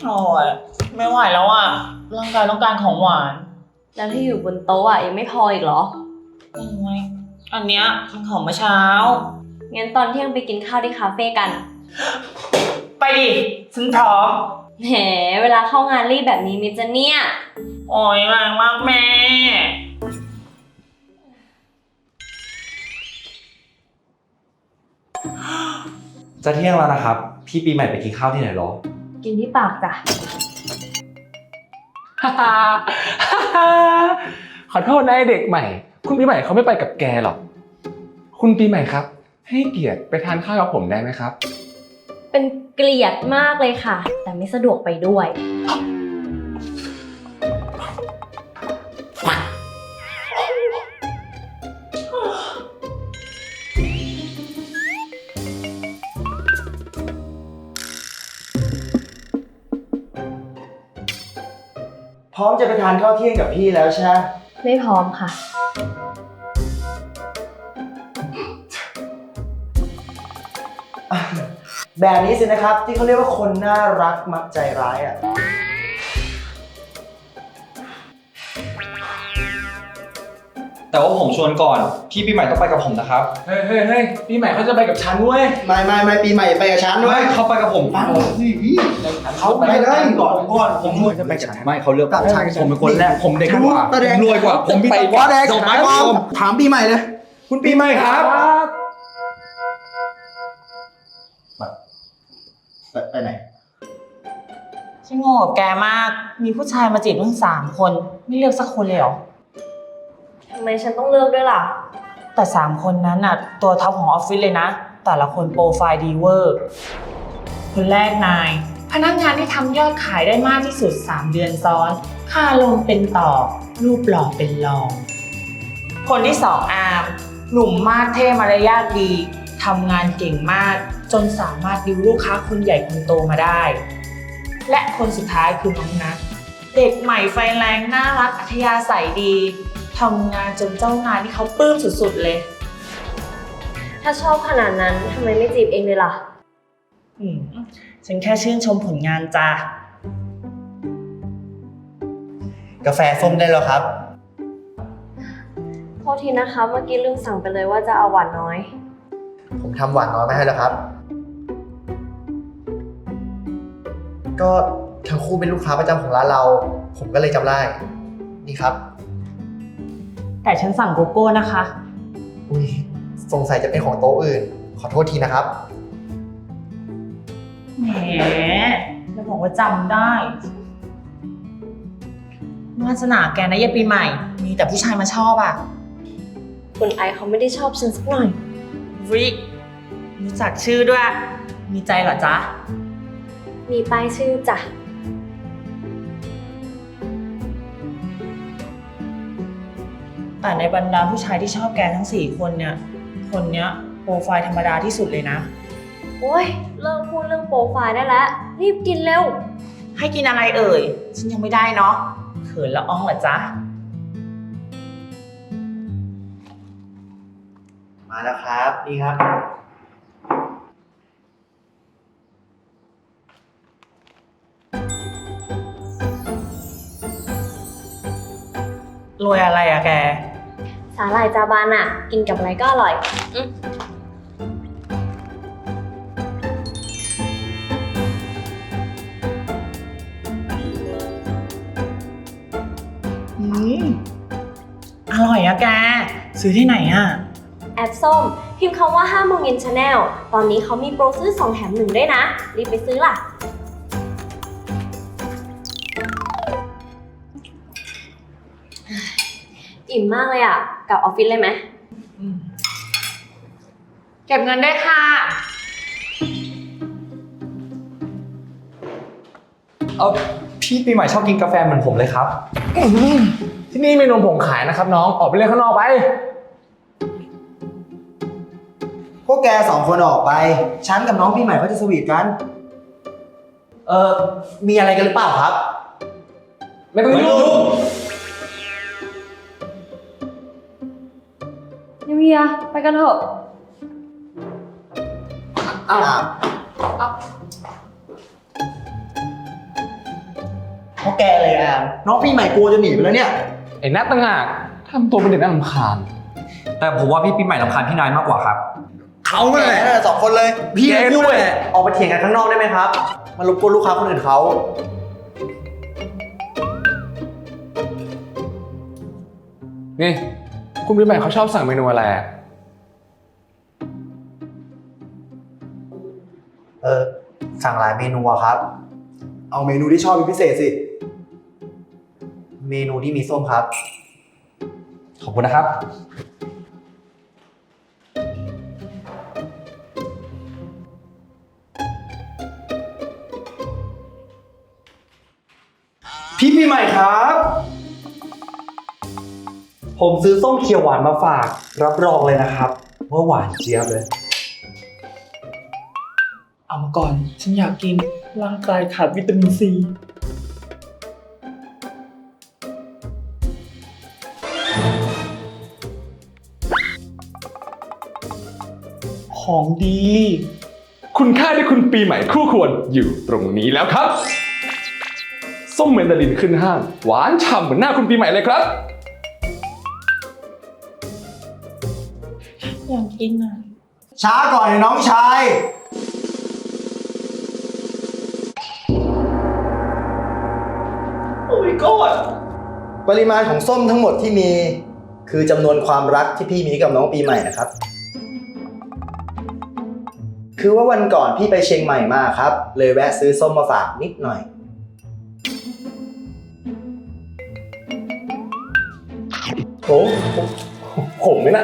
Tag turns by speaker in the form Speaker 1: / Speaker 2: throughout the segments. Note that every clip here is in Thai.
Speaker 1: โอ้ยไม่ไหวแล้วอ่ะร่างกายต้องการของหวาน
Speaker 2: แล้วที่อยู่บนโต๊ะอ่ะยังไม่พออีกเหรอ
Speaker 1: โอ้ยอันเนี้ยมันของเมื่อเช้า
Speaker 2: งั้นตอนเที่ยงไปกินข้าวที่คาเฟ่กัน
Speaker 1: ไปดิฉันพร้อม
Speaker 2: แหมเวลาเข้างานรีบแบบนี้มิจะเนี่ย
Speaker 1: โอ้ยแรงมากแม่
Speaker 3: จะเที่ยงแล้วนะครับพี่ปีใหม่ไปกินข้าวที่ไหนหรอ
Speaker 2: กินที่ปากจ้ะ
Speaker 4: ขอโทษนะไอ้เด็กใหม่ คุณปีใหม่เขาไม่ไปกับแกหรอก คุณปีใหม่ครับ ให้เกียรติไปทานข้าวกับผมได้ไหมครับ
Speaker 2: เป็นเกลียดมากเลยค่ะ แต่ไม่สะดวกไปด้วย
Speaker 5: พร้อมจะไปทานข้าวเที่ยงกับพี่แล้วใช่ไหม
Speaker 2: ไม่พร้อมค่ะ
Speaker 5: แบบนี้สินะครับที่เขาเรียกว่าคนน่ารักมักใจร้ายอ่ะ
Speaker 3: แต่ว่าผมชวนก่อนพี่ปีใหม่ต้องไปกับผมนะครับ
Speaker 4: เฮ้ยปีใหม่เขาจะไปกับฉันเว้ย
Speaker 5: ไม่ปีใหม่ไปกับฉันด้วย
Speaker 3: ไม่เขาไปกับผม
Speaker 5: ฟังสิพี่เขาไปเลยก่อน
Speaker 3: ผมชวนจะไปกับฉันไม่เขาเลือก
Speaker 5: กับฉัน
Speaker 3: ผมเป็นคนแรกผมเด็กกว่า
Speaker 5: ตาแดง
Speaker 3: รวยกว่าผมมี
Speaker 5: ไป
Speaker 3: กว่า
Speaker 5: แดง
Speaker 3: ส่ง
Speaker 5: ถา
Speaker 3: ไม้
Speaker 5: มถามปีใหม่เลย
Speaker 3: คุณปีใหม่ครับ
Speaker 5: ไปไหน
Speaker 1: ฉันงงกับแกมาก มีผู้ชายมาจีบทั้ง3 คน ไม่เลือกสักคนเลยเหรอ
Speaker 2: ทำไมฉันต้องเลือกด้วยล่ะ
Speaker 1: แต่3 คนนั้นน่ะตัวท็อปของออฟฟิศเลยนะ แต่ละคนโปรไฟล์ดีเวอร์ คนแรกนาย พนักงานที่ทำยอดขายได้มากที่สุด3 เดือนซ้อน ค่าลงเป็นต่อ รูปหล่อเป็นรอง คนที่2อาร์ม หนุ่มมากเท่มารยาทดีทำงานเก่งมาก จนสามารถดิวลูกค้าคนใหญ่คนโตมาได้ และคนสุดท้ายคือน้องนัทเด็กใหม่ไฟแรงน่ารักอัธยาศัยดีทำงานจนเจ้านายที่เขาปลื้มสุดๆเลย
Speaker 2: ถ้าชอบขนาดนั้นทำไมไม่จีบเองเลยล่ะ
Speaker 1: ฉันแค่ชื่นชมผลงานจ้า
Speaker 5: กาแฟส้มได้แล้วครับ
Speaker 2: โทษทีนะคะ เมื่อกี้ลืมสั่งไปเลยว่าจะเอาหวานน้อย
Speaker 5: ผมทำหวานน้อยมาให้แล้วครับ ก็ทั้งคู่เป็นลูกค้าประจำของร้านเรา ผมก็เลยจำได้ นี่ครับ
Speaker 1: แต่ฉันสั่งโกโก้นะคะ
Speaker 5: อุ้ยสงสัยจะเป็นของโต๊ะอื่น ขอโทษทีนะครับ
Speaker 1: แหมแล้วบอกว่าจำได้วาสนาแกนะยายปีใหม่ มีแต่ผู้ชายมาชอบอ่ะ
Speaker 2: คุณไอซ์เขาไม่ได้ชอบฉันสักหน่อย
Speaker 1: วิรู้จักชื่อด้วย มีใจเหรอจ๊ะ
Speaker 2: มีป้ายชื่อจ้ะ
Speaker 1: แต่ในบรรดาผู้ชายที่ชอบแกทั้ง4 คนเนี่ย คนเนี้ยโปรไฟล์ธรรมดาที่สุดเลยนะ
Speaker 2: โอ้ยเลิกพูดเรื่องโปรไฟล์ได้แล้ว รีบกินเร็ว
Speaker 1: ให้กินอะไรเอ่ย ฉันยังไม่ได้เนาะเขินละอ้องเหรอจ๊ะ
Speaker 5: มาแล้วครับ นี่ครับ
Speaker 1: รวยอะไรอะแก
Speaker 2: สาหร่ายจาบานอะกินกับอะไรก็อร่อย
Speaker 1: อร่อยอะแก ซื้อที่ไหนอะ
Speaker 2: แอปส้ม พิมพ์คำว่า5 โมงเย็นชาแนลตอนนี้เขามีโปรซื้อ2 แถม 1ด้วยนะ รีบไปซื้อล่ะ อิ่มมากเลยอะกลับออฟฟิศเลยไหม
Speaker 1: เก็บเงินได้ค่ะ
Speaker 3: พี่ปีใหม่ชอบกินกาแฟเหมือนผมเลยครับ
Speaker 4: ที่นี่มีนมผงขายนะครับน้อง ออกไปเล่นข้างนอกไป
Speaker 5: พวกแก2 คนออกไป ฉันกับน้องปีใหม่เขาจะสวีทกัน มีอะไรกันหรือเปล่าครับ
Speaker 4: ไม่ต้องยุ่ง
Speaker 2: นิวเยียไปกันเถอะ
Speaker 5: อ้าวเพราะแกเลยอ่ะน้องปีใหม่กลัวจะหนีไปแล้วเนี่ย
Speaker 4: ไอ้นัทต่างหากทำตัวเป็นเด็กน่ารำคาญ
Speaker 3: แต่ผมว่าพี่ปีใหม่รำคาญพี่นายมากกว่าครับ
Speaker 5: เขาแหละสองคนเลย พี่ด้วยออกไปเถียงกันข้างนอกได้ไหมครับ มารบกวนลูกค้าคนอื่นเขา
Speaker 4: นี่ คุณปีใหม่เขาชอบสั่งเมนูอะไรอะ
Speaker 5: สั่งหลายเมนูอะครับ เอาเมนูที่ชอบเป็นพิเศษสิ เมนูที่มีส้มครับ
Speaker 3: ขอบคุณนะครับ พี่ปีใหม่ครับ ผมซื้อส้มเขียวหวานมาฝาก รับรองเลยนะครับ ว่าหวานเจี๊ยบเลย
Speaker 1: เอามาก่อน ฉันอยากกิน ร่างกายขาดวิตามินซี ของดี
Speaker 4: คุณค่าที่คุณปีใหม่คู่ควรอยู่ตรงนี้แล้วครับ ส้มเมนดารินขึ้นห้าง หวานฉ่ำเหมือนหน้าคุณปีใหม่เลยครับ
Speaker 1: อยากกินอ่ะ
Speaker 5: ช้าก่อนน้องชาย
Speaker 3: โอ้ยกอด
Speaker 5: ปริมาณของส้มทั้งหมดที่มี คือจำนวนความรักที่พี่มีกับน้องปีใหม่นะครับ คือว่าวันก่อนพี่ไปเชียงใหม่มาครับ เลยแวะซื้อส้มมาฝากนิดหน่อย
Speaker 4: โอ้ผมไหมนะ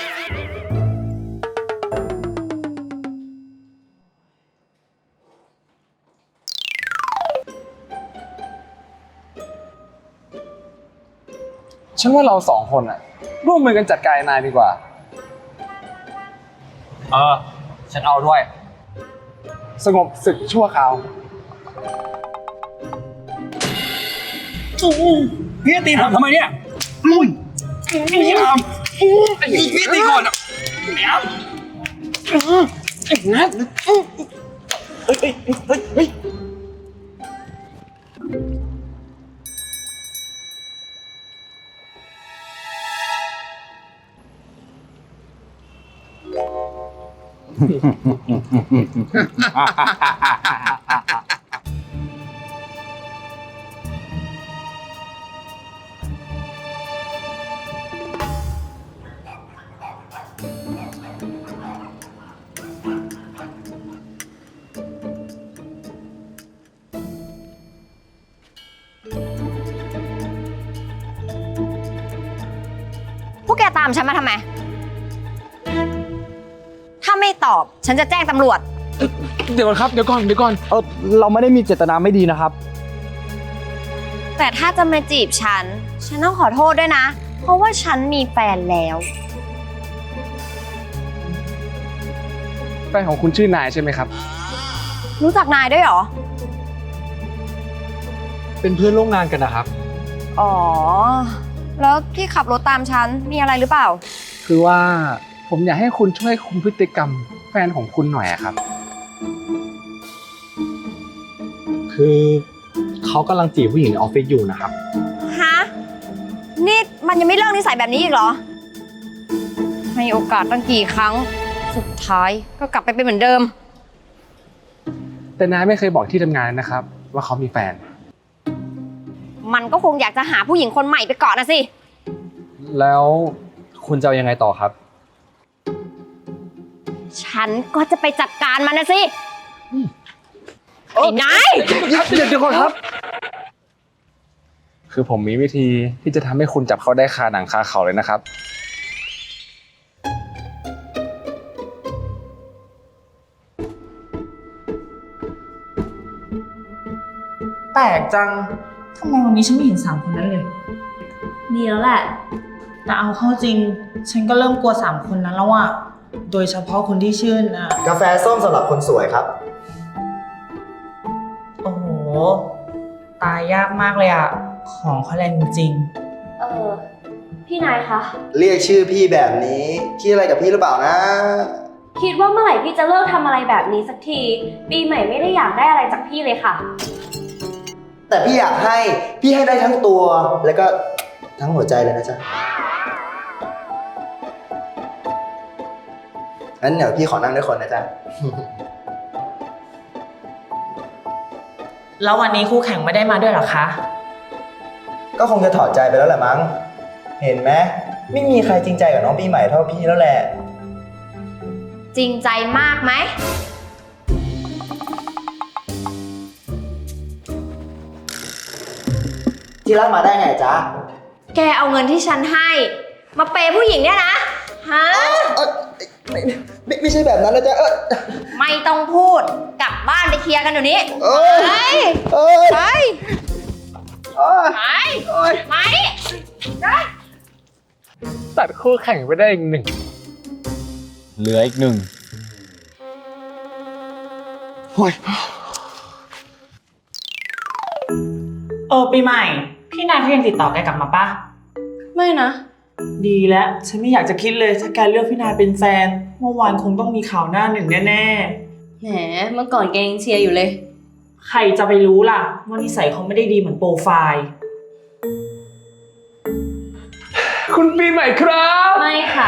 Speaker 4: ฉันว่าเราสองคนอะร่วมมือกันจัดการนายดีกว่า
Speaker 3: ฉันเอาด้วย
Speaker 4: สงบศึกชั่วคราว
Speaker 3: พี่ตีผมทำไมเนี่ยพี่ทำพี่ตีก่อนอะ
Speaker 6: พวกแกตามฉันมาทำไม ถ้าไม่ตอบฉันจะแจ้งตำรวจ
Speaker 4: เดี๋ยวก่อนครับ เดี๋ยวก่อน
Speaker 5: เราไม่ได้มีเจตนาไม่ดีนะครับ
Speaker 6: แต่ถ้าจะมาจีบฉันต้องขอโทษด้วยนะ เพราะว่าฉันมีแฟนแล้ว
Speaker 4: แฟนของคุณชื่อนายใช่ไหมครับ
Speaker 6: รู้จักนายด้วยเหรอ
Speaker 3: เป็นเพื่อนร่วมงานกันนะครับ
Speaker 6: อ๋อ แล้วที่ขับรถตามฉันมีอะไรหรือเปล่า
Speaker 4: คือว่าผมอยากให้คุณช่วยคุมพฤติกรรมแฟนของคุณหน่อยอะครับ
Speaker 3: คือเขากำลังจีบผู้หญิงในออฟฟิศอยู่นะครับ
Speaker 6: ฮะ นี่มันยังไม่เลิกนิสัยแบบนี้อีกเหรอ ให้โอกาสตั้งกี่ครั้ง สุดท้ายก็กลับไปเป็นเหมือนเดิม
Speaker 4: แต่นายไม่เคยบอกที่ทำงานนะครับ ว่าเขามีแฟน
Speaker 6: มันก็คงอยากจะหาผู้หญิงคนใหม่ไปก่อนนะสิ
Speaker 3: แล้วคุณจะเอายังไงต่อครับ
Speaker 6: ฉันก็จะไปจัดการมันนะสิ ไอ้นาย
Speaker 4: เดี๋ยวก่อนครับ คือผมมีวิธีที่จะทำให้คุณจับเขาได้คาหนังคาเขาเลยนะครับ
Speaker 1: แปลกจัง ทำไมวันนี้ฉันไม่เห็นสามคนนั้นเลย
Speaker 2: ดีแล้วแหละ
Speaker 1: แต่เอาเข้าจริง ฉันก็เริ่มกลัวสามคนนั้นแล้วอะโดยเฉพาะคนที่ชื่นอะ
Speaker 5: กาแฟส้มสำหรับคนสวยครับ
Speaker 1: โอ้โห ตายยากมากเลยอะของเขาแรงจริง
Speaker 2: พี่นายคะ
Speaker 5: เรียกชื่อพี่แบบนี้คิดอะไรกับพี่หรือเปล่านะ
Speaker 2: คิดว่าเมื่อไหร่พี่จะเลิกทำอะไรแบบนี้สักที ปีใหม่ไม่ได้อยากได้อะไรจากพี่เลยค่ะ
Speaker 5: แต่พี่อยากให้พี่ให้ได้ทั้งตัวแล้วก็ทั้งหัวใจเลยนะจ๊ะงั้นเดี๋ยวพี่ขอนั่งด้วยคนนะจ๊ะ
Speaker 1: แล้ววันนี้คู่แข่งไม่ได้มาด้วยเหรอคะ
Speaker 5: ก็คงจะถอดใจไปแล้วแหละมั้ง เห็นไหมไม่มีใครจริงใจกับน้องปีใหม่เท่าพี่แล้วแหละ
Speaker 6: จริงใจมากไหม
Speaker 5: ที่รักมาได้ไงจ๊ะ
Speaker 6: แกเอาเงินที่ฉันให้ มาเปย์ผู้หญิงเนี่ยนะ ฮะ
Speaker 5: ไม่ใช่แบบนั้นนะจ๊ะ
Speaker 6: ไม่ต้องพูด กลับบ้านไปเคลียร์กันเดี๋ยวนี้ ไป ไป ไป
Speaker 3: ตัดคู่แข่งไปได้อีกหนึ่ง เหลืออีกหนึ่ง
Speaker 1: ปีใหม่ พี่นายเขายังติดต่อแกกลับมาปะ
Speaker 2: ไม่นะ
Speaker 1: ดีแล้ว ฉันไม่อยากจะคิดเลยถ้าแกเลือกพี่นายเป็นแฟน เมื่อวานคงต้องมีข่าวหน้าหนึ่งแน่
Speaker 2: แหม เมื่อก่อนแกยังเชียร์อยู่เลย
Speaker 1: ๆ ใครจะไปรู้ล่ะว่านิสัยเขาไม่ได้ดีเหมือนโปรไฟล์
Speaker 4: คุณปีใหม่ครับ
Speaker 2: ไม่ค่ะ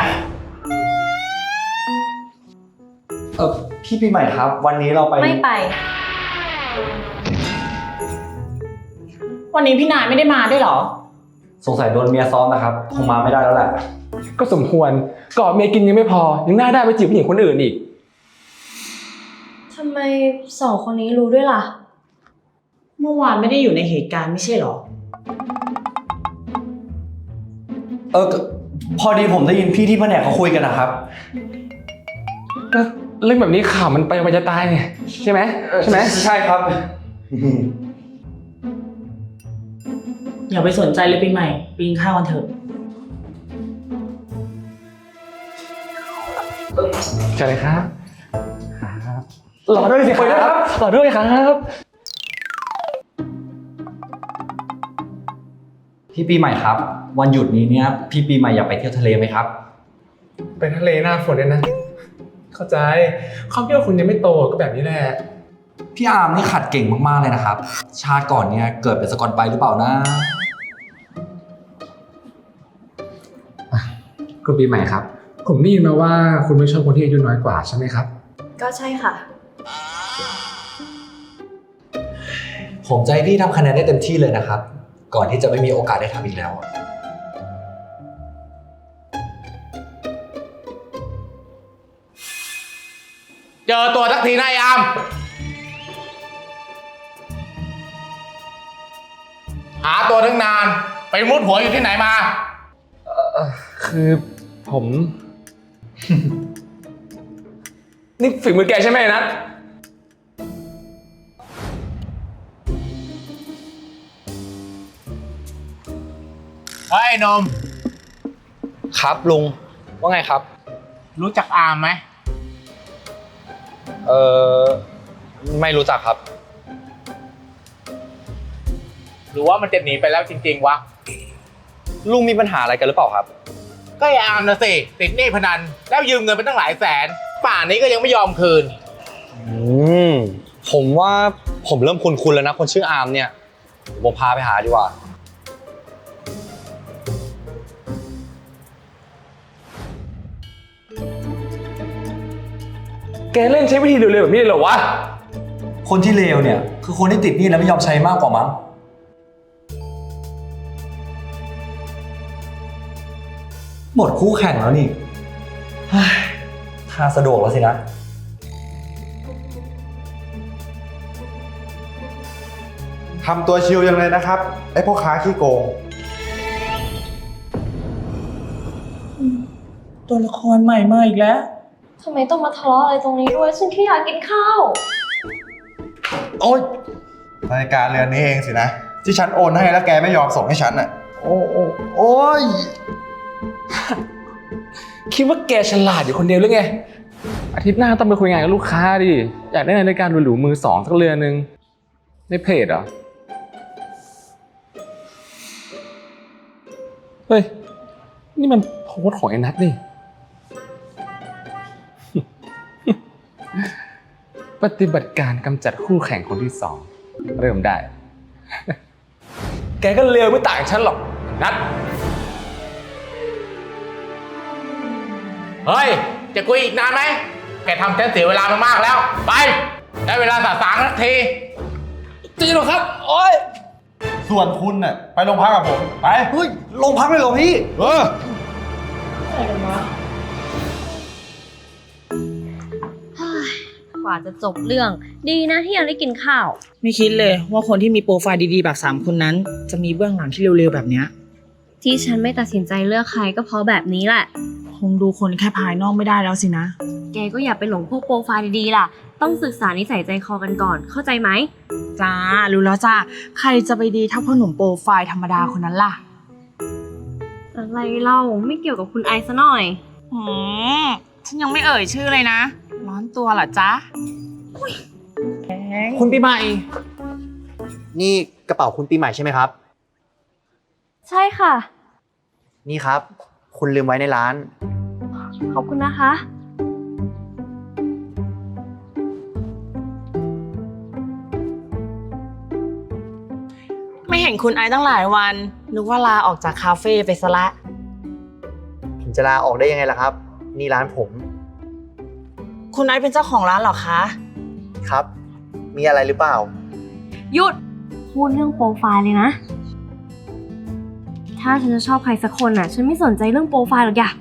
Speaker 5: พี่ปีใหม่ครับ วันนี้เราไป
Speaker 2: ไม่ไป
Speaker 1: วันนี้พี่นายไม่ได้มาด้วยเหรอ
Speaker 7: สงสัยโดนเมียซ้อมนะครับ คงมาไม่ได้แล้วแหละ
Speaker 4: ก็สมควรกอดเมียกินยังไม่พอ ยังน่าได้ไปจีบผู้หญิงคนอื่นอีก
Speaker 2: ทำไมสองคนนี้รู้ด้วยล่ะ
Speaker 1: เมื่อวานไม่ได้อยู่ในเหตุการณ์ไม่ใช่เหรอ
Speaker 7: พอดีผมได้ยินพี่ที่แผนกเขาคุยกันนะครับ
Speaker 4: ก็เรื่องแบบนี้ข่าวมันไปมันจะตายเนี่ยใช่ไหมใช่ไหม
Speaker 7: ใช่ครับ
Speaker 1: อย่าไปสนใจเลยปีใหม่ปีนข้าวกันเถอะ
Speaker 4: ใช่เลยครับหล่อด้วยสิครับหล่อด้วยครับ
Speaker 7: พี่ปีใหม่ครับ วันหยุดนี้เนี่ยพี่ปีใหม่อยากไปเที่ยวทะเลไหมครับ
Speaker 4: ไปทะเลหน้าฝนเนี่ยนะ เข้าใจความที่ว่าคุณยังไม่โตก็แบบนี้แหละ
Speaker 7: พี่อาร์มนี่ขัดเก่งมากๆเลยนะครับ ชาติก่อนเนี่ยเกิดเป็นสกอตไปหรือเปล่านะ
Speaker 4: คุณปีใหม่ครับ ผมได้ยินมาว่าคุณไม่ชอบคนที่อายุน้อยกว่าใช่ไหมครับ
Speaker 2: ก็ใช่ค่ะ
Speaker 7: ผมจะให้พี่ทำคะแนนได้เต็มที่เลยนะครับ ก่อนที่จะไม่มีโอกาสได้ทำอีกแล้ว
Speaker 3: เจอตัวสักทีนายอามหาตัวทั้งนาน ไปมุดหัวอยู่ที่ไหนมา
Speaker 4: คือผม นี่ฝีมือแกใช่ไหมนะ
Speaker 3: เฮ้ยนม
Speaker 7: ครับลุง ว่าไงครับ
Speaker 3: รู้จักอามไหม
Speaker 7: ไม่รู้จักครับ
Speaker 3: หรือว่ามันจะหนีไปแล้วจริงๆวะ
Speaker 7: ลุงมีปัญหาอะไรกันหรือเปล่าครับ
Speaker 3: ก็ไอ้อามนะสิ ติดหนี้พนัน แล้วยืมเงินไปตั้งหลายแสน ป่านนี้ก็ยังไม่ยอมคืน
Speaker 7: ผมว่าผมเริ่มคุ้นๆแล้วนะคนชื่ออาร์มเนี่ยผมพาไปหาดีกว่า
Speaker 4: แกเล่นใช้วิธีเร็วๆแบบนี้เลยเหรอวะ
Speaker 7: คนที่เลวเนี่ยคือคนที่ติดหนี้แล้วไม่ยอมใช้มากกว่ามั้งหมดคู่แข่งแล้วนี่เฮ้ยถ้าสะดวกแล้วสินะ
Speaker 8: ทำตัวชิลยังเลยนะครับ ไอ้พ่อค้าขี้โกง
Speaker 1: ตัวละครใหม่มาอีกแล้ว
Speaker 2: ทำไมต้องมาทะเลาะอะไรตรงนี้ด้วย ฉันแค่อยากกินข้าว
Speaker 8: โอ๊ยนาฬิกาเรือนนี้เองสินะ ที่ฉันโอนให้แล้วแกไม่ยอมส่งให้ฉันอ่ะ โอ้ย
Speaker 4: คิดว่าแกฉลาดอยู่คนเดียวหรือไง อาทิตย์หน้าต้องไปคุยงานกับลูกค้าดิ อยากได้นาฬิกาหรูๆมือสองสักเรือนนึงในเพจเหรอ เฮ้ย นี่มันโพสต์ของไอ้นัทนี่ ปฏิบัติการกำจัดคู่แข่งคนที่สองเริ่มได้กก็เลวไม่ต่างฉันหรอกนัด
Speaker 3: เฮ้ย จะคุยอีกนานไหม แกทำฉันเสียเวลามามากแล้ว ไป ได้เวลาสะสางสักที
Speaker 4: จริงเหรอครับ โอ๊ย
Speaker 8: ส่วนคุณน่ะไปโรงพักกับผม ไป
Speaker 7: เฮ้ยโรงพักเลยเหรอพี่
Speaker 8: เออ
Speaker 2: กว่าจะจบเรื่อง ดีนะที่ยังได้กินข้าว
Speaker 1: ไม่คิดเลยว่าคนที่มีโปรไฟล์ดีๆแบบ3คนนั้น จะมีเบื้องหลังที่เร็วๆแบบเนี้ย
Speaker 2: ที่ฉันไม่ตัดสินใจเลือกใครก็เพราะแบบนี้แหละ
Speaker 1: คงดูคนแค่ภายนอกไม่ได้แล้วสินะ
Speaker 2: แกก็อย่าไปหลงพวกโปรไฟล์ดีๆล่ะ ต้องศึกษานิสัยใจคอกันก่อน เข้าใจไหม
Speaker 1: จ้า รู้แล้วจ้า ใครจะไปดีเท่าพ่อหนุ่มโปรไฟล์ธรรมดาคนนั้นล่ะ
Speaker 2: อะไรเล่าไม่เกี่ยวกับคุณไอซ์ซะหน่อย
Speaker 1: ฉันยังไม่เอ่ยชื่อเลยนะ ร้อนตัวเหรอจ๊ะ
Speaker 5: คุณปีใหม่ นี่กระเป๋าคุณปีใหม่ใช่ไหมครับ
Speaker 2: ใช่ค่ะ
Speaker 5: นี่ครับ คุณลืมไว้ในร้าน
Speaker 2: ขอบคุณนะคะ
Speaker 1: ไม่เห็นคุณไอซ์ตั้งหลายวัน นึกว่าลาออกจากคาเฟ่ไปซะละ
Speaker 5: ผมจะลาออกได้ยังไงล่ะครับ นี่ร้านผม
Speaker 1: คุณไอซ์เป็นเจ้าของร้านเหรอคะ
Speaker 5: ครับ มีอะไรหรือเปล่า
Speaker 2: หยุด พูดเรื่องโปรไฟล์เลยนะ ถ้าฉันจะชอบใครสักคนน่ะ ฉันไม่สนใจเรื่องโปรไฟล์หรอกอย่า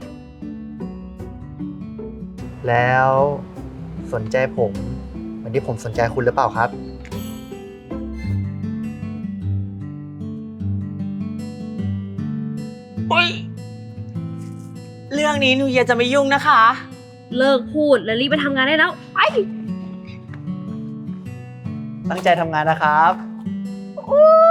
Speaker 5: แล้วสนใจผมเหมือนที่ผมสนใจคุณหรือเปล่าครับ
Speaker 1: โอ๊ย เรื่องนี้หนูเยียจะไม่ยุ่งนะคะ
Speaker 2: เลิกพูดแล้วรีบไปทำงานได้แล้ว ไป
Speaker 5: ตั้งใจทำงานนะครับ
Speaker 2: โอ๊